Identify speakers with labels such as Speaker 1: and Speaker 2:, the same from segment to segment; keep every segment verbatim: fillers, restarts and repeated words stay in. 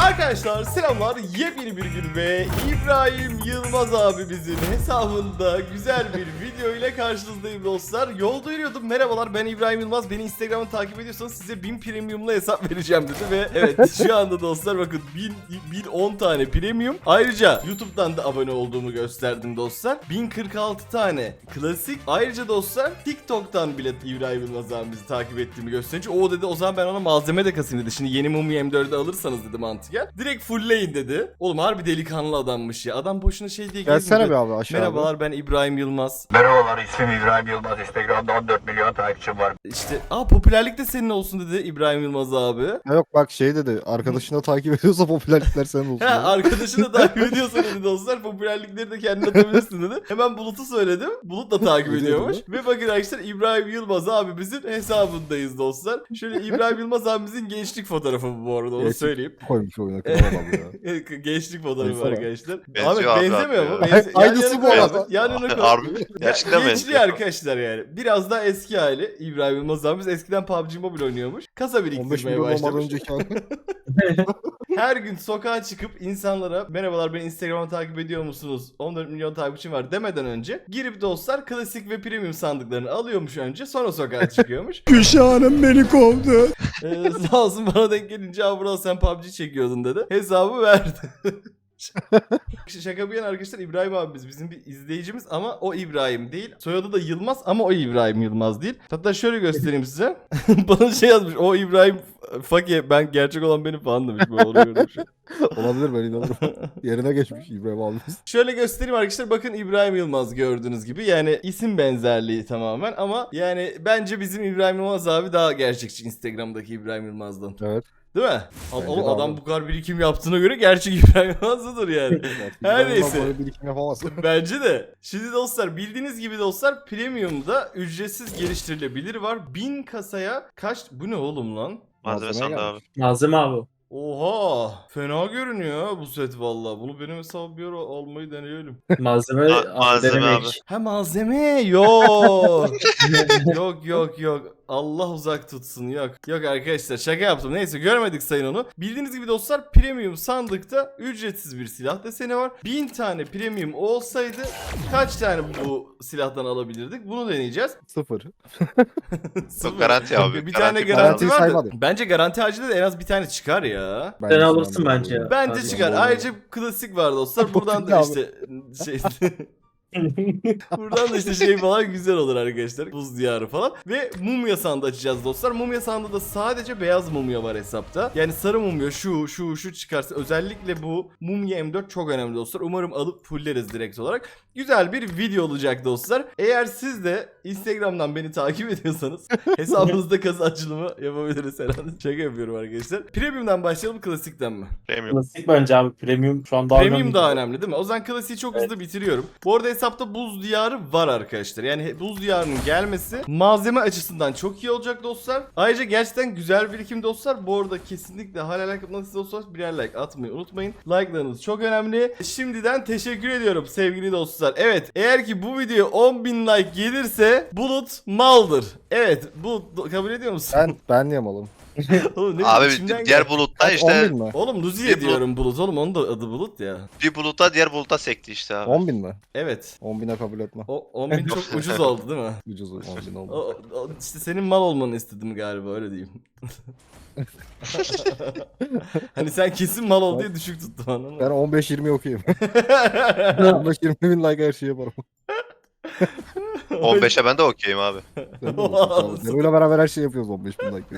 Speaker 1: Arkadaşlar selamlar, yepyeni bir gün ve İbrahim Yılmaz abimizin hesabında güzel bir video ile karşınızdayım dostlar. Yolda yürüyordum, merhabalar ben İbrahim Yılmaz, beni Instagram'dan takip ediyorsanız size bin premiumla hesap vereceğim dedi ve evet şu anda dostlar bakın bin on tane premium. Ayrıca YouTube'dan da abone olduğumu gösterdim dostlar. bin kırk altı tane klasik. Ayrıca dostlar TikTok'tan bile İbrahim Yılmaz abimizi takip ettiğimi gösterince o dedi o zaman ben ona malzeme de kasayım dedi. Şimdi yeni Mumya M dördü alırsanız dedi mantıken. Direkt fullleyin dedi. Oğlum harbi delikanlı adammış ya. Adam boşuna şey diye
Speaker 2: gelsene be abi aşağı.
Speaker 1: Merhabalar ben İbrahim Yılmaz.
Speaker 3: Merhabalar, ismim İbrahim Yılmaz. Instagram'da on dört milyon takipçim var.
Speaker 1: İşte aa popülerlik de senin olsun dedi İbrahim Yılmaz abi.
Speaker 2: Ha yok bak şey dedi, arkadaşını takip ediyorsa popülerlikler senin olsun.
Speaker 1: He arkadaşını da takip ediyorsa dedi dostlar, popülerlikleri de kendine atabilirsin dedi. Hemen Bulut'u söyledim. Bulut da takip ediyormuş. Ve bakın arkadaşlar İbrahim Yılmaz abimizin hesabındayız dostlar. Şöyle İbrahim Yılmaz abimizin gençlik fotoğrafı bu, bu arada onu
Speaker 2: Gençlik
Speaker 1: söyleyeyim.
Speaker 2: Koymuş oyuna kral abi ya.
Speaker 1: Gençlik fotoğrafı
Speaker 2: Baksana.
Speaker 1: arkadaşlar.
Speaker 4: Benziyor
Speaker 1: Ahmet
Speaker 4: abi
Speaker 1: benzemiyor
Speaker 4: abi
Speaker 1: mu?
Speaker 4: ya.
Speaker 1: Benzi-
Speaker 2: Aynısı
Speaker 1: yan yana
Speaker 2: bu
Speaker 1: koy
Speaker 2: arada.
Speaker 1: abi, yan yana koy.
Speaker 4: Harbi mi? Gerçekten
Speaker 1: Gençliği
Speaker 4: benziyor.
Speaker 1: arkadaşlar yani. Biraz daha eski hali İbrahim Yılmaz abimiz eskiden P U B G Mobile oynuyormuş. Kasa
Speaker 2: on beş
Speaker 1: biriktirmeye
Speaker 2: milyon olmadan
Speaker 1: başlamış.
Speaker 2: önceki abi.
Speaker 1: Her gün sokağa çıkıp insanlara merhabalar beni Instagram'dan takip ediyor musunuz? on dört milyon takipçim var demeden önce girip dostlar klasik ve premium sandıklarını alıyormuş önce, sonra sokağa çıkıyormuş.
Speaker 2: Gülşah'ım beni kovdu.
Speaker 1: Ee, sağ olsun bana denk gelince abi Vural sen P U B G çekiyordun dedi. Hesabı verdi. Şaka bir yana arkadaşlar, İbrahim abimiz bizim bir izleyicimiz ama o İbrahim değil. Soyadı da Yılmaz ama o İbrahim Yılmaz değil. Hatta şöyle göstereyim size. Bana şey yazmış, o İbrahim Fake, ben gerçek olan benim falan demiş. Bu oluyor.
Speaker 2: Olabilir, ben inanırım. Yerine geçmiş İbrahim abimiz.
Speaker 1: Şöyle göstereyim arkadaşlar, bakın İbrahim Yılmaz gördüğünüz gibi, yani isim benzerliği tamamen ama yani bence bizim İbrahim Yılmaz abi daha gerçekçi Instagram'daki İbrahim Yılmaz'dan.
Speaker 2: Evet.
Speaker 1: Değil mi?
Speaker 2: Bence
Speaker 1: Oğlum
Speaker 2: de
Speaker 1: adam
Speaker 2: abi.
Speaker 1: bu kadar birikim yaptığına göre gerçek İbrahim Yılmaz'dır yani. Her neyse.
Speaker 2: Böyle birikim yapamaz.
Speaker 1: Bence de. Şimdi dostlar bildiğiniz gibi dostlar Premium'da ücretsiz geliştirilebilir var. bin kasaya kaç? Bu ne oğlum lan?
Speaker 4: Malzeme
Speaker 2: Malzemeye
Speaker 4: sandı abi.
Speaker 2: gelmiş.
Speaker 5: Malzeme abi.
Speaker 1: Oha! Fena görünüyor ha bu set valla. Bunu benim hesabı bir ara almayı deneyelim.
Speaker 5: Malzeme,
Speaker 4: Ma-
Speaker 5: abi
Speaker 4: malzeme
Speaker 5: denemek.
Speaker 4: abi.
Speaker 1: Ha malzeme yok. yok yok yok. Allah uzak tutsun, yok. Yok arkadaşlar şaka yaptım. Neyse görmedik sayın onu. Bildiğiniz gibi dostlar premium sandıkta ücretsiz bir silah deseni var. bin tane premium olsaydı kaç tane bu silahtan alabilirdik? Bunu deneyeceğiz.
Speaker 2: Sıfır.
Speaker 1: Sıfır.
Speaker 4: garanti abi,
Speaker 1: Bir
Speaker 4: garanti
Speaker 1: tane
Speaker 4: falan.
Speaker 1: garanti
Speaker 2: Garantiyi
Speaker 1: var da.
Speaker 2: saymadım.
Speaker 1: Bence garanti harcında da en az bir tane çıkar ya.
Speaker 2: Ben
Speaker 5: Sen
Speaker 2: de
Speaker 5: alırsın
Speaker 2: inanıyorum.
Speaker 5: bence ya.
Speaker 1: Bence
Speaker 5: Abi,
Speaker 1: çıkar.
Speaker 2: doğru.
Speaker 1: Ayrıca klasik var dostlar. Buradan da
Speaker 2: Abi.
Speaker 1: işte şey buradan da işte şey falan güzel olur arkadaşlar. Buz diyarı falan. Ve mumya sandığı açacağız dostlar. Mumya sandığı da sadece beyaz mumya var hesapta. Yani sarı mumya şu şu şu çıkarsa, özellikle bu mumya M dört çok önemli dostlar. Umarım alıp fulleriz direkt olarak. Güzel bir video olacak dostlar. Eğer siz de Instagram'dan beni takip ediyorsanız hesabınızda kasa açılımı yapabiliriz herhalde. Şaka yapıyorum arkadaşlar. Premium'dan başlayalım, klasikten mi?
Speaker 4: Premium.
Speaker 5: Klasik bence abi. Premium şu an daha
Speaker 1: Premium
Speaker 5: önemli.
Speaker 1: daha önemli değil mi? O zaman klasiği çok
Speaker 5: Evet.
Speaker 1: hızlı bitiriyorum. Bu arada hesapta buz diyarı var arkadaşlar. Yani he- buz diyarının gelmesi malzeme açısından çok iyi olacak dostlar. Ayrıca gerçekten güzel birikim dostlar. Bu arada kesinlikle hala like atmadıysanız dostlar birer like atmayı unutmayın. Like'larınız çok önemli. Şimdiden teşekkür ediyorum sevgili dostlar. Evet, eğer ki bu video on bin like gelirse Bulut maldır. Evet, Bulut kabul ediyor musun?
Speaker 2: Ben, ben niye malım?
Speaker 1: Oğlum, ne
Speaker 4: Abi
Speaker 1: içimden
Speaker 4: diğer
Speaker 1: geldi.
Speaker 4: bulutta
Speaker 2: on
Speaker 4: işte
Speaker 2: bin mi?
Speaker 1: Oğlum Luzi'ye
Speaker 4: Bir
Speaker 1: diyorum Bulut oğlum, onun da adı Bulut ya.
Speaker 4: bir buluta diğer buluta sekti işte abi.
Speaker 2: on bin mi?
Speaker 1: Evet.
Speaker 2: on bine kabul etme.
Speaker 1: O on bin çok ucuz oldu değil mi?
Speaker 2: Ucuz on bin
Speaker 1: O,
Speaker 2: oldu.
Speaker 1: o- işte senin mal olmanı istedim galiba, öyle diyeyim. Hani sen kesin mal ol diye düşük tuttum, anladın
Speaker 2: Ben
Speaker 1: mı?
Speaker 2: on beş yirmi okuyayım. on beş yirmi bin like her şeyi yaparım.
Speaker 4: on beşe ben de okeyim abi.
Speaker 2: Ben de okuyayım. Dero'yla beraber her şeyi yapıyoruz on beş bin like.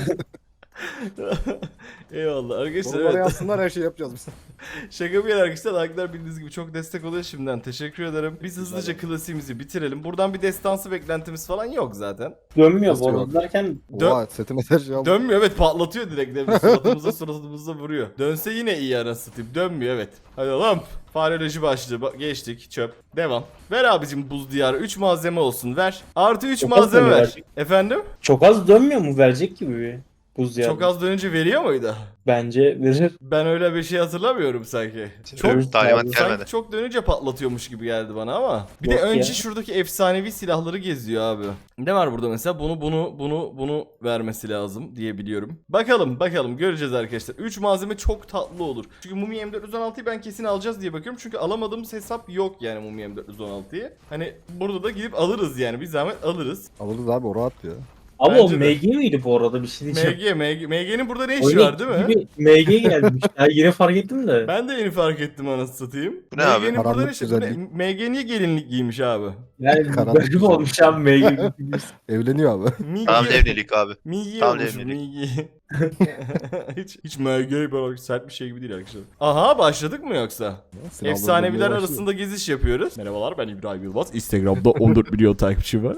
Speaker 1: Eyvallah arkadaşlar,
Speaker 2: Soruları
Speaker 1: evet.
Speaker 2: yazsınlar, her şeyi yapacağız biz.
Speaker 1: Şaka bir yana arkadaşlar, like'lar bildiğiniz gibi çok destek oluyor, şimdiden teşekkür ederim. Biz hızlıca klasiğimizi bitirelim. Buradan bir destansı beklentimiz falan yok zaten.
Speaker 5: Dönmüyor
Speaker 2: Nasıl
Speaker 5: bu
Speaker 2: yok?
Speaker 5: arada derken
Speaker 1: Dön-
Speaker 2: Oha setime her şeyi aldım.
Speaker 1: Dönmüyor, evet, patlatıyor direkt. Değil mi? Suratımıza suratımıza vuruyor. Dönse yine iyi, anasını satayım. Dönmüyor, evet. Hadi oğlum. Faroloji başlığı ba- geçtik, çöp. Devam. Ver abicim buz diyarı, üç malzeme olsun ver. Artı üç
Speaker 5: Çok
Speaker 1: malzeme
Speaker 5: az
Speaker 1: ver.
Speaker 5: verecek.
Speaker 1: Efendim?
Speaker 5: çok az dönmüyor mu? Verecek gibi bir. Buz yani.
Speaker 1: Çok az dönünce veriyor muydu?
Speaker 5: Bence verir.
Speaker 1: Ben öyle bir şey hatırlamıyorum sanki. Çok
Speaker 4: Çok talimat
Speaker 5: abi,
Speaker 4: gelmedi.
Speaker 1: sanki çok dönünce patlatıyormuş gibi geldi bana ama. Bir de
Speaker 5: Yok
Speaker 1: önce
Speaker 5: ya.
Speaker 1: şuradaki efsanevi silahları geziyor abi. Ne var burada mesela? Bunu bunu bunu bunu vermesi lazım diye biliyorum. Bakalım bakalım göreceğiz arkadaşlar. üç malzeme çok tatlı olur. Çünkü Mumi M dört yüz on altıyı ben kesin alacağız diye bakıyorum. Çünkü alamadığımız hesap yok yani Mumi M dört yüz on altıyı. Hani burada da gidip alırız yani. Bir zahmet alırız.
Speaker 2: Alırız abi o rahat ya.
Speaker 5: Ama
Speaker 1: Bence
Speaker 5: o
Speaker 1: de.
Speaker 5: M G miydi bu arada, bir şey diyeceğim.
Speaker 1: M G, M G, M G'nin burada ne işi
Speaker 5: Oyuna
Speaker 1: var değil mi?
Speaker 5: gibi M G gelmiş. Ya yine fark ettim de.
Speaker 1: Ben de yeni fark ettim anasını satayım.
Speaker 4: Bu ne abi?
Speaker 1: M G'nin burada ne
Speaker 2: Karanlık
Speaker 1: işi? Bu ne?
Speaker 2: güzellik.
Speaker 1: M G niye gelinlik giymiş abi?
Speaker 5: Yani
Speaker 2: Karanlık
Speaker 5: garip
Speaker 2: güzel.
Speaker 5: olmuş abi M G.
Speaker 2: Evleniyor abi.
Speaker 1: Migi.
Speaker 4: Tamam evlilik abi.
Speaker 1: Migi
Speaker 4: Tam
Speaker 1: olmuş
Speaker 4: evlilik.
Speaker 1: Migi. hiç hiç M G böyle sert bir şey gibi değil arkadaşlar. Aha başladık mı yoksa?
Speaker 2: Silahları
Speaker 1: Efsaneviler
Speaker 2: bulmaya başlıyor.
Speaker 1: arasında geziş yapıyoruz. Merhabalar ben İbrahim Yılmaz. Instagram'da on dört milyon takipçi var.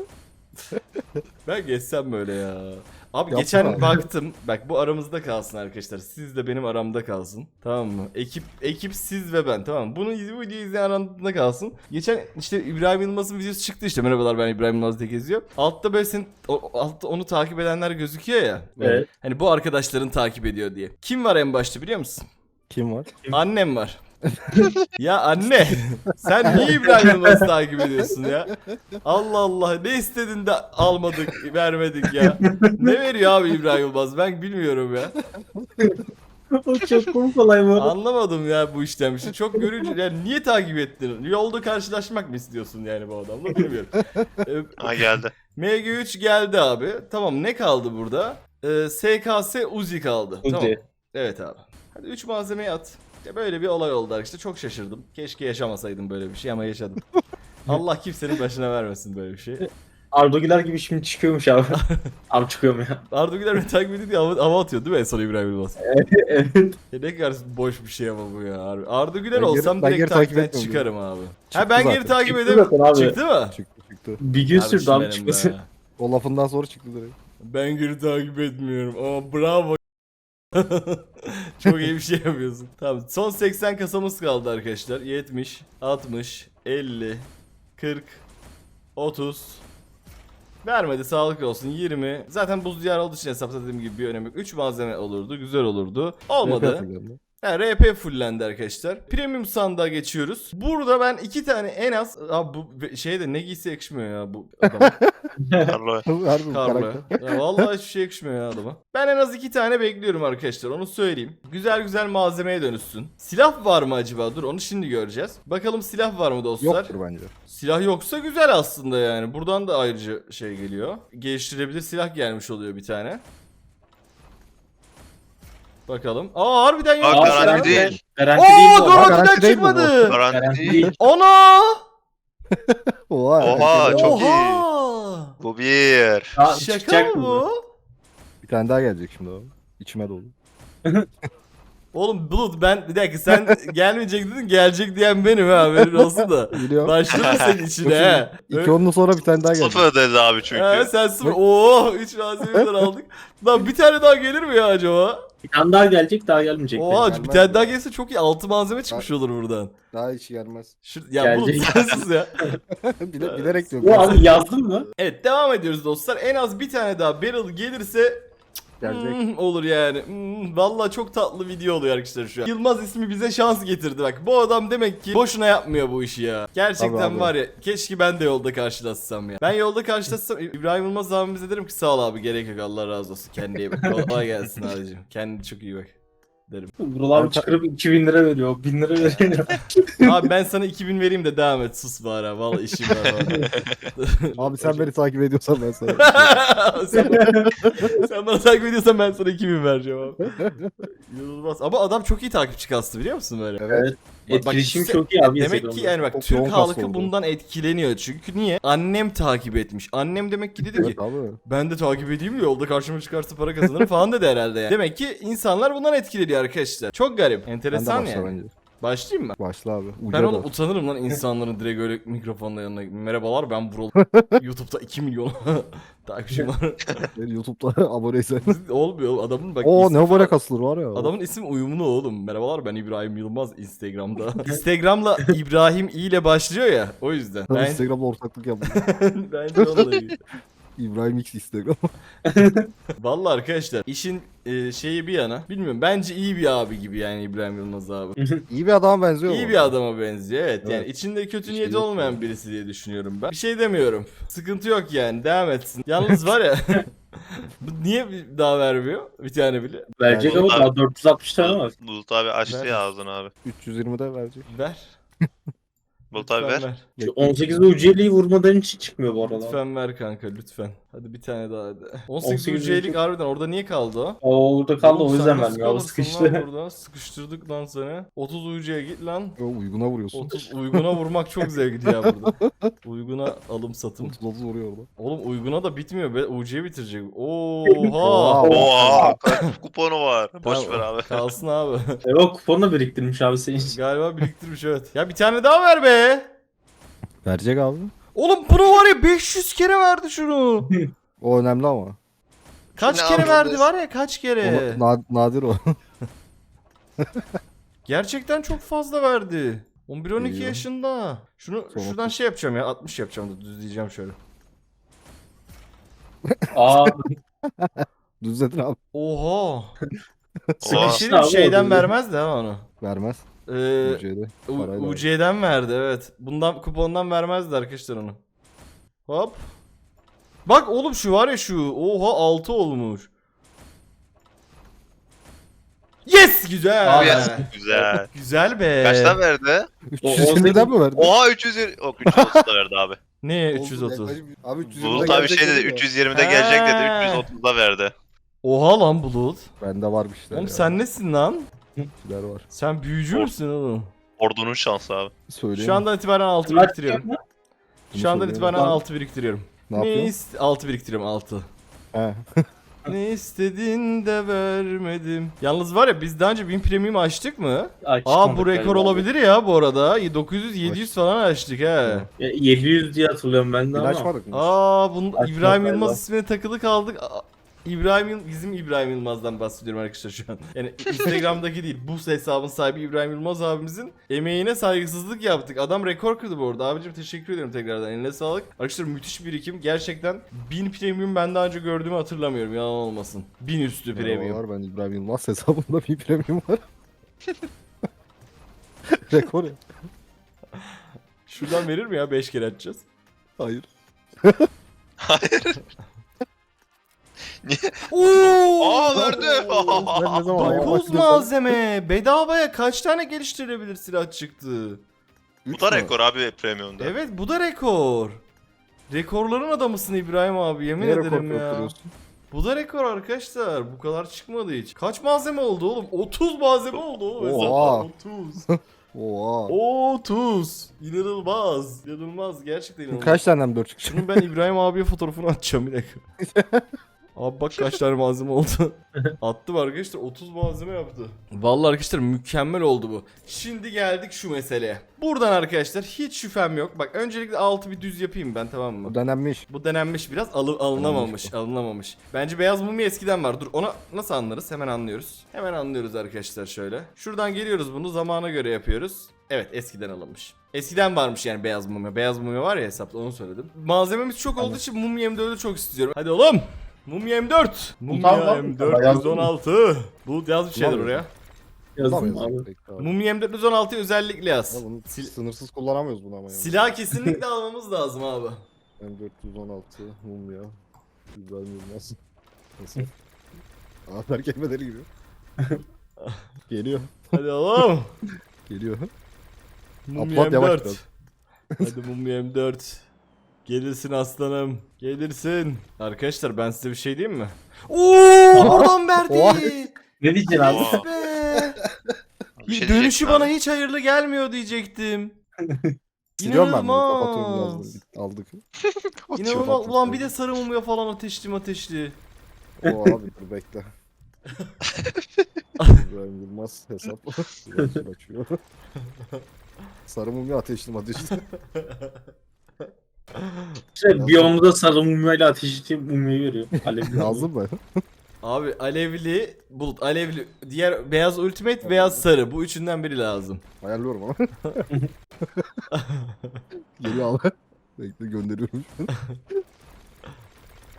Speaker 1: Ben geçsem böyle ya. Abi
Speaker 2: Yapma
Speaker 1: geçen
Speaker 2: abi.
Speaker 1: baktım. Bak bu aramızda kalsın arkadaşlar. Siz de benim aramda kalsın. Tamam mı? Ekip ekip siz ve ben. Tamam mı? Bunu bu videoyu izleyen aramda kalsın. Geçen işte İbrahim Yılmaz'ın videosu çıktı işte. Merhabalar ben İbrahim Yılmaz diye geziyor. Altta böyle senin o- altta onu takip edenler gözüküyor ya.
Speaker 5: Evet.
Speaker 1: Hani bu arkadaşların takip ediyor diye. Kim var en başta biliyor musun?
Speaker 2: Kim var?
Speaker 1: Annem var. Ya anne sen niye İbrahim Yılmaz'ı takip ediyorsun ya? Allah Allah ne istedin de almadık vermedik ya. Ne veriyor abi İbrahim Yılmaz ben bilmiyorum ya.
Speaker 5: O çok komik olay bu arada.
Speaker 1: Anlamadım ya bu işten bir şey. Çok görücü yani niye takip ettin? Yolda karşılaşmak mı istiyorsun yani bu adamla bilmiyorum. Ee,
Speaker 4: Ha geldi.
Speaker 1: M G üç geldi abi. Tamam ne kaldı burada? Ee, S K S Uzi kaldı.
Speaker 5: Uzi.
Speaker 1: Tamam. Evet abi. Hadi üç malzemeyi at. Ya böyle bir olay oldu arkadaşlar. Çok şaşırdım. Keşke yaşamasaydım böyle bir şey ama yaşadım. Allah kimsenin başına vermesin böyle bir şey.
Speaker 5: Arda Güler gibi şimdi çıkıyormuş abi. Abi çıkıyorum ya.
Speaker 1: Arda Güler beni takip ediyor diye hava, hava atıyor değil mi en son İbrahim Yılmaz?
Speaker 5: Evet.
Speaker 1: Ya ne kadar boş bir şey ama bu ya. Harbi. Arda Güler
Speaker 2: Ben geri-
Speaker 1: olsam
Speaker 2: ben
Speaker 1: direkt
Speaker 2: geri takip
Speaker 1: takipten
Speaker 2: etmiyorum
Speaker 1: çıkarım abi. ha
Speaker 2: Çıktı
Speaker 1: ben geri
Speaker 2: zaten.
Speaker 1: takip
Speaker 5: Çıktı
Speaker 1: edemem.
Speaker 5: zaten abi.
Speaker 1: Çıktı mı?
Speaker 2: Çıktı çıktı.
Speaker 5: Bir gün sürdü
Speaker 1: Kardeşim
Speaker 5: abi
Speaker 1: benim
Speaker 5: çıkması.
Speaker 1: be.
Speaker 2: O lafından sonra çıktı direkt.
Speaker 1: Ben geri takip etmiyorum ama bravo. Çok iyi bir şey yapıyorsun. Tamam son seksen kasamız kaldı arkadaşlar. yetmiş, altmış, elli, kırk, otuz. Vermedi sağlık olsun yirmi. Zaten buz diyar olduğu için hesapladığım gibi bir önemi yok. üç malzeme olurdu güzel olurdu. Olmadı. Ha, R P fullendi arkadaşlar. Premium sandığa geçiyoruz. Burada ben iki tane en az... Abi bu şeyde ne giysi yakışmıyor ya bu adama.
Speaker 4: Carlo.
Speaker 2: Harbi bu
Speaker 1: Karlı.
Speaker 2: karakter.
Speaker 1: Ya vallahi hiçbir şey yakışmıyor ya adama. Ben en az iki tane bekliyorum arkadaşlar onu söyleyeyim. Güzel güzel malzemeye dönüşsün. Silah var mı acaba? Dur onu şimdi göreceğiz. Bakalım silah var mı dostlar?
Speaker 2: Yoktur bence.
Speaker 1: Silah yoksa güzel aslında yani. Buradan da ayrıca şey geliyor. Geliştirebilir silah gelmiş oluyor bir tane. Bakalım. Aa harbiden yok.
Speaker 4: Aa,
Speaker 5: Aa,
Speaker 4: garanti değil.
Speaker 5: Garanti değil
Speaker 1: Oo
Speaker 5: bu.
Speaker 2: garanti
Speaker 1: garantiden
Speaker 2: değil mi bu?
Speaker 1: çıkmadı.
Speaker 4: Garanti
Speaker 5: Garanti
Speaker 4: değil.
Speaker 5: değil.
Speaker 1: Ana!
Speaker 2: Oha.
Speaker 4: Oha,
Speaker 2: herkes-
Speaker 4: çok iyi.
Speaker 1: Oha!
Speaker 4: Bu bir.
Speaker 5: Aa,
Speaker 1: Şaka
Speaker 5: çıkacak
Speaker 1: mı
Speaker 5: mı
Speaker 1: bu?
Speaker 2: Bir tane daha gelecek şimdi o. İçime dolu.
Speaker 1: Oğlum Bulut ben bir dakika sen gelmeyecek dedin gelecek diyen benim ha haberin olsun da.
Speaker 2: Biliyorum.
Speaker 1: Başladı senin içine he.
Speaker 2: İki onun sonra bir tane daha gelecek.
Speaker 4: Sıfır dedi abi çünkü.
Speaker 1: He sen sıfır. Oo üç malzemeden aldık. Lan bir tane daha gelir mi ya acaba?
Speaker 5: Bir tane daha gelecek, daha gelmeyecek.
Speaker 1: Oha
Speaker 2: gelmez
Speaker 1: bir tane
Speaker 2: ya.
Speaker 1: daha gelse çok iyi. altı malzeme çıkmış olur buradan.
Speaker 2: Daha hiç gelmez.
Speaker 1: Şu, ya Bulut
Speaker 5: Gelecek.
Speaker 1: sensiz ya.
Speaker 2: Bile, bilerek diyorum.
Speaker 5: Bu abi yazdın mı?
Speaker 1: Evet devam ediyoruz dostlar. En az bir tane daha barrel gelirse
Speaker 2: Gelecek.
Speaker 1: Hmm, olur yani. Hmm, vallahi çok tatlı video oluyor arkadaşlar şu an. Yılmaz ismi bize şans getirdi bak. Bu adam demek ki boşuna yapmıyor bu işi ya. Gerçekten
Speaker 2: Tabii abi.
Speaker 1: var ya. Keşke ben de yolda karşılaşsam ya. Ben yolda karşılaşsam İbrahim Yılmaz abimize derim ki sağ ol abi gerek yok Allah razı olsun. Kendine iyi bak. Kolay gelsin abicim. Kendine çok iyi bak. Derim.
Speaker 5: Vural abi çıkarıp iki bin lira veriyor. bin lira veriyor.
Speaker 1: Abi ben sana iki bin vereyim de devam et sus bari ha. Vallahi işim var bana.
Speaker 2: Abi sen beni takip ediyorsan ben sana.
Speaker 1: sen, sen bana takip ediyorsan ben sana iki bin vereceğim abi. İnanılmaz. Ama adam çok iyi takipçi kastı biliyor musun böyle?
Speaker 2: Evet.
Speaker 1: Bak- bak
Speaker 5: Etkileşim
Speaker 1: işte-
Speaker 5: çok iyi abi.
Speaker 1: Demek ki
Speaker 5: Instagram'da.
Speaker 1: yani bak
Speaker 2: Çok
Speaker 1: Türk
Speaker 2: yoğun
Speaker 1: halkı
Speaker 2: kastı oldu.
Speaker 1: bundan etkileniyor. Çünkü niye? Annem takip etmiş. Annem demek ki dedi ki
Speaker 2: Evet abi.
Speaker 1: ben de takip edeyim de yolda karşıma çıkarsa para kazanırım falan dedi herhalde yani. Demek ki insanlar bundan etkileniyor arkadaşlar. Çok garip.
Speaker 2: Ben de
Speaker 1: Enteresan
Speaker 2: başla
Speaker 1: yani.
Speaker 2: bence.
Speaker 1: Başlayayım mı?
Speaker 2: Başla abi.
Speaker 1: Ben
Speaker 2: Uca
Speaker 1: oğlum
Speaker 2: da.
Speaker 1: utanırım lan insanların direkt öyle mikrofonla yanına. Merhabalar ben Vural. YouTube'da iki milyon takipçim var.
Speaker 2: Beni YouTube'da aboneysen.
Speaker 1: Olmuyor oğlum. Adamın bak
Speaker 2: Oo
Speaker 1: ismi
Speaker 2: ne böyle
Speaker 1: falan-
Speaker 2: kasılır var ya.
Speaker 1: Adamın ismi uyumlu oğlum. Merhabalar ben İbrahim Yılmaz Instagram'da. Instagram'la İbrahim i ile başlıyor ya o yüzden.
Speaker 2: Ben...
Speaker 1: Ben,
Speaker 2: Instagram'da ortaklık yaptım.
Speaker 1: bence onunla ilgili.
Speaker 2: İbrahim X Instagram.
Speaker 1: Vallahi arkadaşlar işin e, şeyi bir yana. Bilmiyorum bence iyi bir abi gibi yani İbrahim Yılmaz abi.
Speaker 2: İyi bir adama benziyor
Speaker 1: İyi
Speaker 2: mu?
Speaker 1: bir adama benziyor evet. Yani
Speaker 2: Evet.
Speaker 1: içinde kötü
Speaker 2: Bir şey
Speaker 1: niyeti
Speaker 2: yok
Speaker 1: olmayan
Speaker 2: yani.
Speaker 1: birisi diye düşünüyorum ben. Bir şey demiyorum. Sıkıntı yok yani devam etsin. Yalnız var ya bu niye bir daha vermiyor bir tane bile?
Speaker 5: Verecek
Speaker 2: Yani-
Speaker 5: ama daha dört yüz altmış tane var.
Speaker 4: Bulut abi açtı
Speaker 1: Ver.
Speaker 4: ya ağzını abi.
Speaker 2: üç yüz yirmide verecek.
Speaker 1: Ver.
Speaker 4: Bulut abi
Speaker 1: Lütfen
Speaker 4: ver.
Speaker 5: Şu on sekizde U C L'yi vurmadan hiç çıkmıyor bu arada.
Speaker 1: Lütfen ver kanka lütfen. Hadi bir tane daha hadi. on sekiz
Speaker 5: on sekiz
Speaker 1: UC'lik harbiden orada niye kaldı o?
Speaker 5: O orada kaldı
Speaker 1: Oğlum
Speaker 5: o
Speaker 1: sen
Speaker 5: yüzden
Speaker 1: nasıl
Speaker 5: vermiyor. O
Speaker 1: kalırsın
Speaker 5: sıkıştı.
Speaker 1: lan burada? Sıkıştırdık lan seni. otuz U C'ye git lan.
Speaker 2: Yo, uyguna vuruyorsun.
Speaker 1: otuz uyguna vurmak çok zevkli ya burada. Uyguna alım satım.
Speaker 2: otuz otuz vuruyor orada.
Speaker 1: Oğlum uyguna da bitmiyor be. U C'ye bitirecek. Oha.
Speaker 2: Oha.
Speaker 4: Oha kaç kuponu var. Boş
Speaker 1: Tamam,
Speaker 4: ver abi.
Speaker 1: Kalsın abi.
Speaker 5: E o kuponu biriktirmiş abi senin için.
Speaker 1: Galiba biriktirmiş evet. Ya bir tane daha ver be.
Speaker 2: Verecek abi.
Speaker 1: Oğlum bunu var ya beş yüz kere verdi şunu.
Speaker 2: O önemli ama.
Speaker 1: Kaç
Speaker 4: Ne
Speaker 1: kere
Speaker 4: yapıyorsun
Speaker 1: verdi
Speaker 4: biz?
Speaker 1: var ya kaç kere.
Speaker 2: O na- nadir o.
Speaker 1: Gerçekten çok fazla verdi. on bir on iki
Speaker 2: İyi.
Speaker 1: yaşında. Şunu
Speaker 2: Sonra
Speaker 1: şuradan
Speaker 2: otuz.
Speaker 1: şey yapacağım ya altmış yapacağım da düzleyeceğim şöyle.
Speaker 5: Aa
Speaker 2: Düzledin abi.
Speaker 1: Oha.
Speaker 4: Oha.
Speaker 1: Bir şey
Speaker 5: sıkıştı
Speaker 1: diyeyim,
Speaker 5: abi.
Speaker 1: şeyden
Speaker 5: orada.
Speaker 1: vermez de ha onu.
Speaker 2: Vermez.
Speaker 1: Ee,
Speaker 2: U C'de.
Speaker 1: U-
Speaker 2: Parayla ver.
Speaker 1: U C'den verdi evet. Bundan kupondan vermezdi arkadaşlar onu. Hop. Bak oğlum şu var ya şu. Oha altı olmuş. Yes güzel.
Speaker 5: Abi,
Speaker 4: Yes, güzel.
Speaker 1: Güzel be.
Speaker 4: Kaçtan verdi?
Speaker 2: üç
Speaker 5: O-
Speaker 2: yüz
Speaker 5: o
Speaker 2: yirmiden mi verdin?
Speaker 4: Oha üç yüz yirmi. Yok üç yüz otuz da verdi abi.
Speaker 1: Ne
Speaker 2: Oldu,
Speaker 1: üç yüz otuz?
Speaker 2: yaklaşık- Abi üç yüz yirmide
Speaker 4: Bulut abi
Speaker 2: gelecek
Speaker 4: şey dedi
Speaker 2: ya.
Speaker 4: üç yüz yirmide gelecek dedi
Speaker 1: Ha.
Speaker 4: üç yüz otuzda verdi.
Speaker 1: Oha lan Bulut.
Speaker 2: Bende var bir şeyler
Speaker 1: Oğlum
Speaker 2: ya.
Speaker 1: sen nesin lan?
Speaker 2: Bir şeyler var.
Speaker 1: Sen büyücü
Speaker 4: Or-
Speaker 1: müsün oğlum?
Speaker 4: Ordunun şansı abi.
Speaker 2: Söyleyeyim.
Speaker 1: Şu andan itibaren altı
Speaker 5: Kaç
Speaker 1: biriktiriyorum.
Speaker 5: yapma?
Speaker 1: Şu andan
Speaker 2: söyleyeyim.
Speaker 1: itibaren
Speaker 5: Lan.
Speaker 1: altı biriktiriyorum.
Speaker 2: Ne
Speaker 1: Ne
Speaker 2: yapıyorsun?
Speaker 1: ist altı biriktiriyorum altı.
Speaker 2: He.
Speaker 1: Ne istedin de vermedim. Yalnız var ya biz daha önce bin premium açtık mı?
Speaker 5: Ay,
Speaker 1: Aa bu
Speaker 5: çıkmadık
Speaker 1: rekor
Speaker 5: galiba.
Speaker 1: olabilir ya bu arada. dokuz yüz yedi yüz falan açtık he.
Speaker 5: Ya, yedi yüz diye hatırlıyorum ben de
Speaker 2: İlaç
Speaker 5: ama.
Speaker 2: var mı?
Speaker 1: Aa bunun
Speaker 5: Açmak
Speaker 1: İbrahim
Speaker 5: galiba.
Speaker 1: Yılmaz ismine takılı kaldık. Aa, İbrahim Yıl- bizim İbrahim Yılmaz'dan bahsediyorum arkadaşlar şu an. Yani Instagram'daki değil bu hesabın sahibi İbrahim Yılmaz abimizin emeğine saygısızlık yaptık. Adam rekor kırdı bu arada. Abicim teşekkür ederim tekrardan. Eline sağlık. Arkadaşlar müthiş birikim. Gerçekten bin premium ben daha önce gördüğümü hatırlamıyorum. Yalan olmasın. bin üstü premium.
Speaker 2: Var ben İbrahim Yılmaz hesabımda bir premium var. Rekor ya.
Speaker 1: Şuradan verir mi ya? beş kere açacağız.
Speaker 2: Hayır.
Speaker 1: Oo!
Speaker 4: Aa verdi.
Speaker 2: Ben ne zaman hayır
Speaker 1: dokuz
Speaker 2: baktım
Speaker 1: malzeme. Bedavaya kaç tane geliştirilebilir silah çıktı?
Speaker 4: Bu da rekor abi premiumda.
Speaker 1: Evet bu da rekor. Rekorların adamısın İbrahim abi yemin
Speaker 2: Niye rekor
Speaker 1: ederim ya.
Speaker 2: kırıyorsun?
Speaker 1: Bu da rekor arkadaşlar. Bu kadar çıkmadı hiç. Kaç malzeme oldu oğlum? otuz malzeme oldu oğlum.
Speaker 2: Oha.
Speaker 1: hesaplar. otuz.
Speaker 2: Oha.
Speaker 1: otuz. İnanılmaz. İnanılmaz. Gerçekten inanılmaz.
Speaker 2: Kaç tane dört çıkacak?
Speaker 1: Şunun ben İbrahim abiye fotoğrafını atacağım bir dakika. Abi bak kaç tane malzeme oldu. Attım arkadaşlar otuz malzeme yaptı. Vallahi arkadaşlar mükemmel oldu bu. Şimdi geldik şu meseleye. Buradan arkadaşlar hiç şüphem yok. Bak öncelikle altı bir düz yapayım ben tamam mı?
Speaker 2: Bu denenmiş.
Speaker 1: Bu denenmiş biraz alı- alınamamış, alınamamış. Bence beyaz mumya eskiden var. Dur ona nasıl anlarız? Hemen anlıyoruz. Hemen anlıyoruz arkadaşlar şöyle. Şuradan geliyoruz bunu zamana göre yapıyoruz. Evet eskiden alınmış. Eskiden varmış yani beyaz mumya. Beyaz mumya var ya hesapta onu söyledim. Malzememiz çok olduğu için mumya M dördü çok istiyorum. Hadi oğlum. Mumya M dört. Mumya
Speaker 5: Tamam,
Speaker 1: M
Speaker 5: tamam.
Speaker 1: dört yüz on altı. Bulut yaz bir şeyler
Speaker 2: Tamam.
Speaker 1: oraya.
Speaker 5: Yazdım
Speaker 2: Kullanmıyoruz.
Speaker 5: abi.
Speaker 2: Bekle abi.
Speaker 1: Mumya M dört yüz on altıyı özellikle yaz.
Speaker 2: Ya bunu
Speaker 1: Sil-
Speaker 2: sınırsız kullanamıyoruz bunu ama yani.
Speaker 1: silah kesinlikle almamız lazım abi.
Speaker 2: M dört yüz on altı mumya. İbrahim Yılmaz. Nasıl? Afer kelimeleri gibi. Geliyor.
Speaker 1: Hadi oğlum.
Speaker 2: Geliyor.
Speaker 1: Mumya
Speaker 2: Upload yavaş
Speaker 1: M dört.
Speaker 2: biraz.
Speaker 1: Hadi Mumya M dört. Gelirsin aslanım. Gelirsin. Arkadaşlar ben size bir şey diyeyim mi? Oo, oradan verdi.
Speaker 2: Oha.
Speaker 5: Ne diyeceksin abi?
Speaker 4: Oha.
Speaker 1: Be.
Speaker 4: Bir şey
Speaker 1: Dönüşü
Speaker 4: diyecektim
Speaker 1: bana
Speaker 4: abi.
Speaker 1: hiç hayırlı gelmiyor diyecektim.
Speaker 2: Siliyorum ben bunu.
Speaker 1: İnanılmaz.
Speaker 2: Kapatıyorum birazdan. Aldık.
Speaker 1: İnanılmaz. Ulan bir de sarı mumya falan ateşli ateşli.
Speaker 2: O abi dur bekle. İbrahim Yılmaz hesap. Biraz açıyor. Sarı mumya ateşli ateşli.
Speaker 5: İşte biyomda sarı mumyayla ateş edip mumyayı veriyor. Alevli.
Speaker 2: Yazdın mı?
Speaker 1: Abi alevli, bulut, alevli, diğer beyaz ultimate, beyaz sarı. Bu üçünden biri lazım.
Speaker 2: Ayarlıyorum ama. Geliyor abi. Bekle gönderiyorum.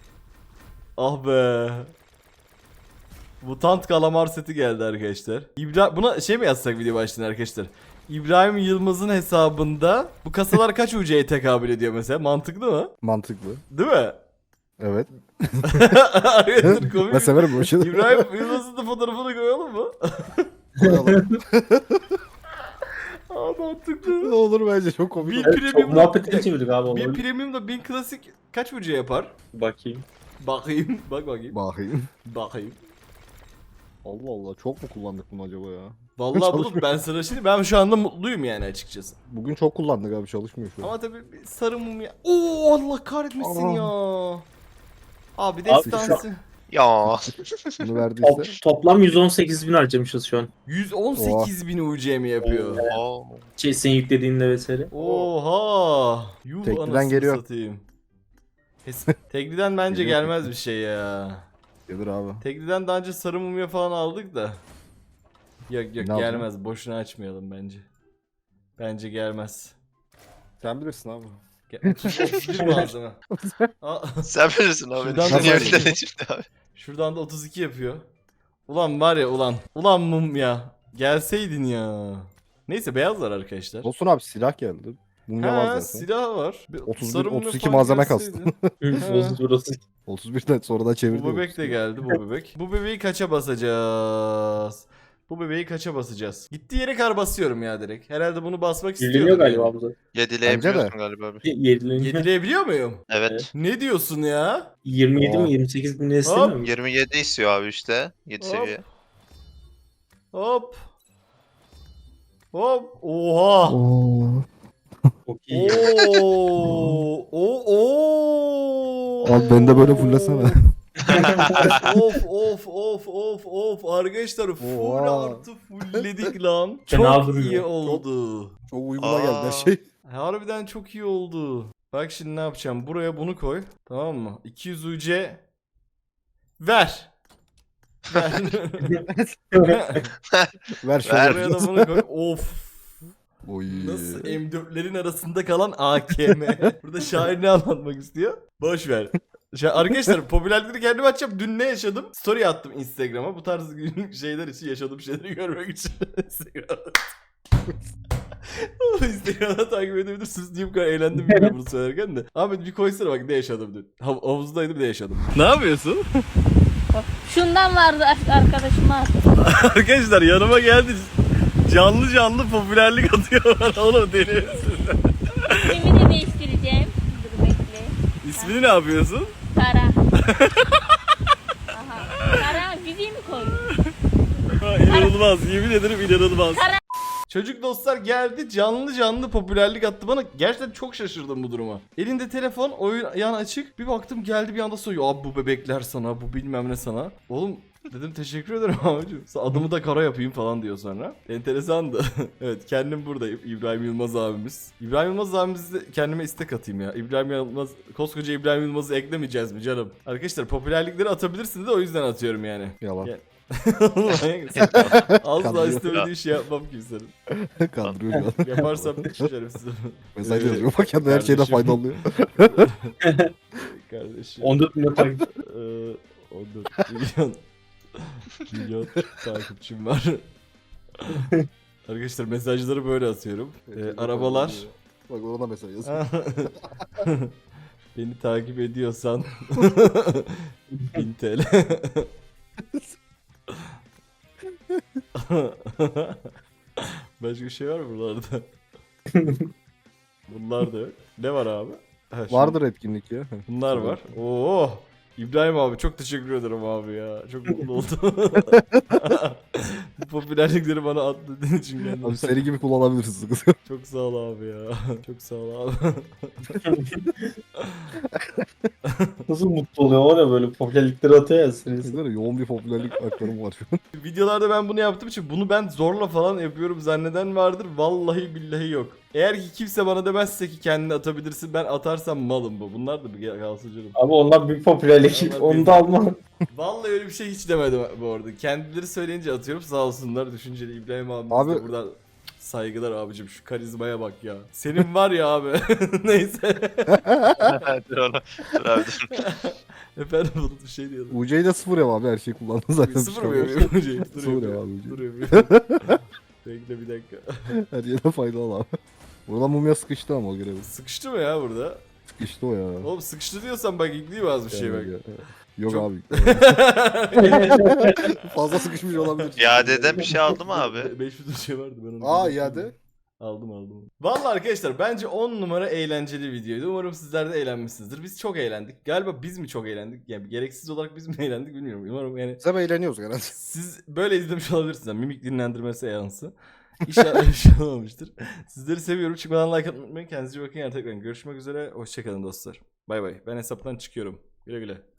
Speaker 1: Ah be. Mutant kalamar seti geldi arkadaşlar. İbra buna şey mi yazsak video başlığına arkadaşlar? İbrahim Yılmaz'ın hesabında bu kasalar kaç U C'ye tekabül ediyor mesela? Mantıklı mı?
Speaker 2: Mantıklı.
Speaker 1: Değil mi?
Speaker 2: Evet.
Speaker 1: Arkadaşlar komik.
Speaker 2: Ben severim bu şeyleri.
Speaker 1: İbrahim Yılmaz'ın da fotoğrafını koyalım mı?
Speaker 2: Koyalım.
Speaker 1: Aa mantıklı.
Speaker 2: Ne olur bence çok komik.
Speaker 1: Bir
Speaker 2: olur.
Speaker 5: Evet, çok
Speaker 1: premium
Speaker 5: muhabbetini çevirdik abi.
Speaker 1: bir
Speaker 5: onu.
Speaker 1: premiumda bin klasik kaç U C yapar?
Speaker 5: Bakayım.
Speaker 1: Bakayım. Bak bakayım.
Speaker 2: Bakayım.
Speaker 1: Bakayım.
Speaker 2: Allah Allah çok mu kullandık bunu acaba ya?
Speaker 1: Vallahi
Speaker 2: Çalışmıyor.
Speaker 1: bulut ben sana şimdi ben şu anda mutluyum yani açıkçası.
Speaker 2: Bugün çok kullandık abi çalışmıyor şu an.
Speaker 1: Ama tabii bir sarı mum ya. Oo Allah kahretmesin
Speaker 2: Aa.
Speaker 1: ya. Abi
Speaker 5: Abi
Speaker 1: destansı.
Speaker 4: Ya.
Speaker 2: Bunu verdiyse.
Speaker 5: Top, toplam yüz on sekiz bin harcamışız şu an.
Speaker 1: yüz on sekiz bin U C mi yapıyor?
Speaker 4: Oo.
Speaker 5: Şey sen yüklediğinde vesaire.
Speaker 1: Oha. Yuh
Speaker 2: Tekliden
Speaker 1: anasını
Speaker 2: geliyor.
Speaker 1: satayım. Hes- Tekliden bence
Speaker 2: Geliyor.
Speaker 1: gelmez bir şey ya.
Speaker 2: Gelir abi.
Speaker 1: Tekliden daha önce sarı mumya falan aldık da. Yok yok
Speaker 2: Ne aldın?
Speaker 1: gelmez. Boşuna açmayalım bence. Bence gelmez.
Speaker 2: Sen bilirsin abi.
Speaker 1: Ge- otuz, otuz bir malzeme. Aa,
Speaker 4: Sen bilirsin abi.
Speaker 1: Şuradan
Speaker 4: Niye
Speaker 1: da-
Speaker 4: öyle dedin şimdi abi?
Speaker 1: şuradan da otuz iki yapıyor. Ulan var ya ulan. Ulan mum ya. Gelseydin ya. Neyse beyazlar arkadaşlar.
Speaker 2: Olsun abi silah geldi. Mumya var
Speaker 1: Ha,
Speaker 2: zaten.
Speaker 1: silah var. Bir
Speaker 2: otuz bir,
Speaker 1: sarı mumya
Speaker 2: otuz iki
Speaker 1: falan
Speaker 2: malzeme
Speaker 1: gelseydi.
Speaker 2: kastı.
Speaker 5: Bozuz burası.
Speaker 2: otuz birden sonradan çevirdi.
Speaker 1: Bu bebek de geldi bu bebek. Bu bebeği kaça basacağız? Bu bebeği kaça basacağız? Gittiği yere kar basıyorum ya direkt. Herhalde bunu basmak istiyorum.
Speaker 5: Yeniliyor galiba bu da.
Speaker 4: Yedileyebiliyorsun galiba abi.
Speaker 5: Yenileniyor.
Speaker 1: Yedileyebiliyor muyum?
Speaker 4: Evet.
Speaker 1: Ne diyorsun ya?
Speaker 5: yirmi yedi
Speaker 2: Oha.
Speaker 5: mi yirmi sekiz bin ne istemiyor mu?
Speaker 4: yirmi yedi istiyor abi işte. yedi
Speaker 1: Hop.
Speaker 4: seviye.
Speaker 1: Hop. Hop. Oha.
Speaker 5: Çok iyi.
Speaker 1: Oo. Oo. Oo.
Speaker 2: Abi beni de böyle fullesene.
Speaker 1: of of of of of arkadaşlar full
Speaker 2: Oha.
Speaker 1: artı fullledik lan.
Speaker 5: Fena
Speaker 1: Çok
Speaker 5: duruyor.
Speaker 1: iyi oldu.
Speaker 2: Çok uyguna geldi her
Speaker 4: Aa.
Speaker 2: şey.
Speaker 1: Harbiden çok iyi oldu. Bak şimdi ne yapacağım? Buraya bunu koy. Tamam mı? iki yüz U C ver. Ver.
Speaker 2: Ver şöyle.
Speaker 4: Ver.
Speaker 1: Buraya da bunu koy. Of.
Speaker 2: Oy.
Speaker 1: Nasıl M dörtlerin arasında kalan A K M. Burada şair ne anlatmak istiyor? Boş ver. Şu- arkadaşlar popülerlikleri kendim açacağım. Dün ne yaşadım? Story attım Instagram'a. Bu tarz günlük şeyler için yaşadığım şeyleri görmek için. Instagram'da. Instagram'da takip edebilirsiniz. Niye bu kadar eğlendim bilmiyorum bunu söylerken de. Ahmet bir koysana bak ne yaşadım dün. Hav havuzdaydım ne yaşadım. Ne yapıyorsun?
Speaker 6: Şundan vardı ar- arkadaşıma attım.
Speaker 1: Arkadaşlar yanıma geldi. Canlı canlı popülerlik atıyor bana. Oğlum deli misin?
Speaker 6: İsmimi de değiştireceğim. Dur bekle.
Speaker 1: İsmini ne yapıyorsun?
Speaker 6: Kara. Aha. Kara Vivi mi koydun?
Speaker 1: Ha, inanılmaz. Yemin ederim inanılmaz.
Speaker 6: Kara-
Speaker 1: Çocuk dostlar geldi canlı canlı popülerlik attı bana. Gerçekten çok şaşırdım bu duruma. Elinde telefon, oyun yan açık. Bir baktım geldi bir anda soruyor. Abi bu bebekler sana, bu bilmem ne sana. Oğlum dedim teşekkür ederim abicim. Adımı da kara yapayım falan diyor sonra. Enteresandı. Evet kendim buradayım. İbrahim Yılmaz abimiz. İbrahim Yılmaz abimizi de kendime istek atayım ya. İbrahim Yılmaz, koskoca İbrahim Yılmaz'ı eklemeyeceğiz mi canım? Arkadaşlar popülerlikleri atabilirsiniz de o yüzden atıyorum yani.
Speaker 2: Yalan.
Speaker 1: Gel. Asla
Speaker 2: Kandırıyor.
Speaker 1: istemediği şey yapmam kimsenin.
Speaker 2: Kandırıyor şu an.
Speaker 1: Yaparsam şerefsiz.
Speaker 2: Mesaj
Speaker 1: Ee,
Speaker 2: yazıyor. Bak kendine her şeyden
Speaker 1: kardeşim.
Speaker 2: fayda alıyor.
Speaker 1: Kardeşim.
Speaker 5: on dört milyon takip.
Speaker 1: Ee, on dört milyon milyon takipçim var. Arkadaşlar mesajları böyle atıyorum. Ee, arabalar.
Speaker 2: Bak ona mesaj yazıyor.
Speaker 1: Beni takip ediyorsan bin T L. Başka bir şey var mı buralarda? Bunlar da yok. Ne var abi? Ha, şimdi
Speaker 2: Vardır etkinlik ya.
Speaker 1: Bunlar var. Oo. İbrahim abi çok teşekkür ederim abi ya. Çok mutlu oldum. Bu popülerlikleri bana atladığın için kendime.
Speaker 2: Abi seri gibi kullanabilirsin sıkıntı yok.
Speaker 1: Çok sağ ol abi ya. Çok sağ ol abi.
Speaker 5: Nasıl mutlu oluyor var ya böyle popülerlikleri atıyor ya serisi.
Speaker 2: Böyle yoğun bir popülerlik aktarımı var şu an.
Speaker 1: Videolarda ben bunu yaptığım için bunu ben zorla falan yapıyorum zanneden vardır. Vallahi billahi yok. Eğer ki kimse bana demezse ki kendini atabilirsin ben atarsam malım bu. Bunlar da bir kalsın canım.
Speaker 5: Abi onlar bir popülerlik.
Speaker 1: Onlar
Speaker 5: Onu
Speaker 1: bir-
Speaker 5: da alma.
Speaker 1: Vallahi öyle bir şey hiç demedim bu arada. Kendileri söyleyince atıyorum sağ olsunlar düşünceli İbrahim abimiz
Speaker 2: Abi-
Speaker 1: de buradan saygılar abicim şu karizmaya bak ya. Senin var ya abi. Neyse.
Speaker 4: dur onu. Dur abi dur.
Speaker 1: Efendim Bulut bir şey diyordum.
Speaker 2: U C'yi de sıfır ya abi, her şeyi kullandın zaten.
Speaker 1: Sıfır
Speaker 2: Bir
Speaker 1: mı
Speaker 2: şey olmaz.
Speaker 1: yapıyor? Şey, dur
Speaker 2: Sıfır
Speaker 1: yapıyor.
Speaker 2: ya abi.
Speaker 1: Dur yapıyor. Bekle bir dakika.
Speaker 2: Her yerden faydalı abi. Buradan mumya sıkıştı ama o görevi.
Speaker 1: Sıkıştı mı ya burada?
Speaker 2: Sıkıştı o ya.
Speaker 1: Oğlum sıkıştı diyorsan bak yükleyeyim az bir şey bak.
Speaker 2: Yani, ya. Yok
Speaker 1: Çok-
Speaker 2: abi. Fazla sıkışmış olabilir.
Speaker 4: İadeden bir şey aldı mı abi?
Speaker 1: beş yüz şey vardı ben onu.
Speaker 2: Aa
Speaker 1: görmedim.
Speaker 2: iade.
Speaker 1: Aldım aldım. Vallahi arkadaşlar bence on numara eğlenceli videoydu. Umarım sizler de eğlenmişsinizdir. Biz çok eğlendik. Galiba biz mi çok eğlendik? Yani gereksiz olarak biz mi eğlendik bilmiyorum. Umarım yani
Speaker 2: Biz ama eğleniyoruz herhalde.
Speaker 1: siz böyle izlemiş olabilirsiniz. Yani mimik dinlendirme seansı. İnşallah bir şey olmamıştır. Sizleri seviyorum. Çıkmadan like atmayı unutmayın. Kendinize iyi bakın. Yani tekrar görüşmek üzere. Hoşçakalın dostlar. Bay bay. Ben hesaptan çıkıyorum. Güle güle.